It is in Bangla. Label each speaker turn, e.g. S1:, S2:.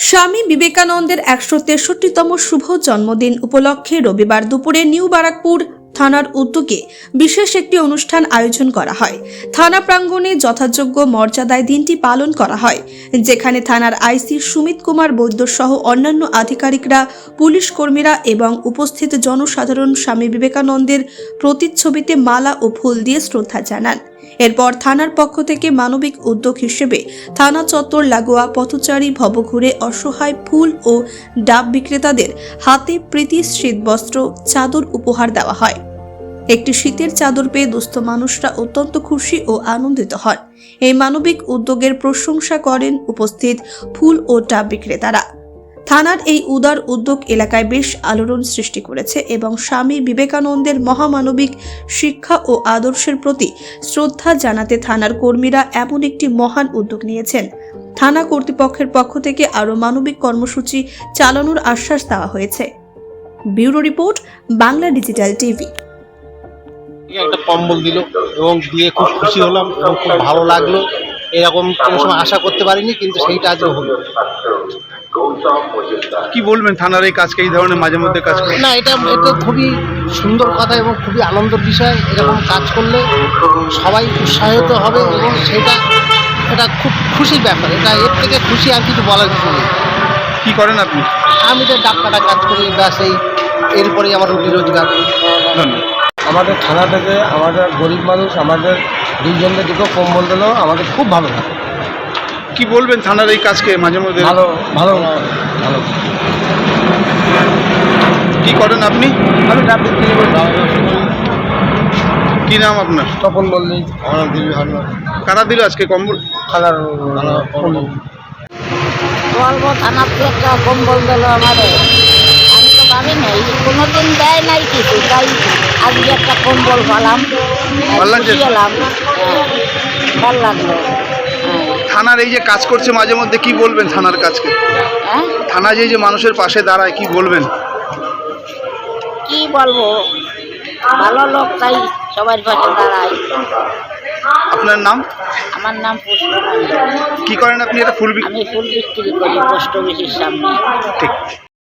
S1: স্বামী বিবেকানন্দের ১৬৩তম শুভ জন্মদিন উপলক্ষে রবিবার দুপুরে নিউ বারাকপুর থানার উদ্যোগে বিশেষ একটি অনুষ্ঠান আয়োজন করা হয়। থানা প্রাঙ্গণে যথাযোগ্য মর্যাদায় দিনটি পালন করা হয়, যেখানে থানার আইসি সুমিত কুমার বৈদ্য সহ অন্যান্য আধিকারিকরা, পুলিশ কর্মীরা এবং উপস্থিত জনসাধারণ স্বামী বিবেকানন্দের প্রতিচ্ছবিতে মালা ও ফুল দিয়ে শ্রদ্ধা জানান। এরপর থানার পক্ষ থেকে মানবিক উদ্যোগ হিসেবে থানা চত্বর লাগোয়া পথচারী ভবঘুরে অসহায় ফুল ও ডাব বিক্রেতাদের হাতে প্রীতি শীতবস্ত্র, চাদর উপহার দেওয়া হয়। একটি শীতের চাদর পেয়ে দুস্থ মানুষরা অত্যন্ত খুশি ও আনন্দিত হন। এই মানবিক উদ্যোগের প্রশংসা করেন উপস্থিত ফুল ও ডাব বিক্রেতারা। থানার এই উদার উদ্যোগ এলাকায় বেশ আলোড়ন সৃষ্টি করেছে এবং স্বামী বিবেকানন্দের মহামানবিক শিক্ষা ও আদর্শের প্রতি শ্রদ্ধা জানাতে থানার কর্মীরা এমন একটি মহান উদ্যোগ নিয়েছেন। থানা কর্তৃপক্ষের পক্ষ থেকে আরও মানবিক কর্মসূচি চালানোর আশ্বাস দেওয়া হয়েছে। Bureau report, Bangla digital TV.
S2: একটা কম্বল দিল এবং দিয়ে খুব খুশি হলাম এবং খুব ভালো লাগলো। এরকম কোনো সময় আশা করতে পারিনি, কিন্তু সেইটা আজও হলো।
S3: কি বলবেন থানার এই কাজকে, এই ধরনের মাঝে মধ্যে কাজ করে?
S2: না, এটা খুবই সুন্দর কথা এবং খুবই আনন্দের বিষয়। এরকম কাজ করলে সবাই উৎসাহিত হবে এবং এটা খুব খুশির ব্যাপার। এর থেকে খুশি আর কিছু বলার কিছু নেই।
S3: কি করেন আপনি?
S2: আমি তো ডাব কাটা কাজ করি, ব্যাস এরপরেই আমার রুটি রোজগার।
S3: ধন্যবাদ।
S4: আমাদের থানা থেকে আমাদের গরিব মানুষ আমাদের দুইজনকে দুটো কম্বল দিল, আমাদের খুব ভালো লাগে।
S3: কি বলবেন থানার এই কাজকে মাঝে মধ্যে?
S4: ভালো ভালো ভালো।
S3: কি করেন আপনি?
S4: আমি ডাব বিক্রি করি।
S3: কি নাম আপনার?
S4: তপন মল্লিক। আমার দিল্লি ভালো
S3: কারা দিল আজকে কম্বল?
S4: খালার
S5: বলবো থানার থেকে একটা কম্বল দিল আমাদের। আমি তো ভাবি নাই, কোনোদিন দেয় নাই কিছু, তাই আজকে একটা কম্বল পেলাম, গেলাম, ভালো লাগলো।
S3: থানার এই যে কাজ করছে মাঝে মধ্যে, কি বলবেন থানার কাজকে?
S5: হ্যাঁ,
S3: থানা যে মানুষের পাশে দাঁড়ায়, কি বলবেন?
S5: কি বলবো, ভালো লোক তাই সবার পাশে দাঁড়ায়।
S3: আপনার নাম?
S5: আমার নাম পুষ্পমণি।
S3: কি করেন আপনি? এটা ফুল
S5: আমি ফুল বিক্রি করি পোস্ট অফিসের সামনে।
S3: ঠিক।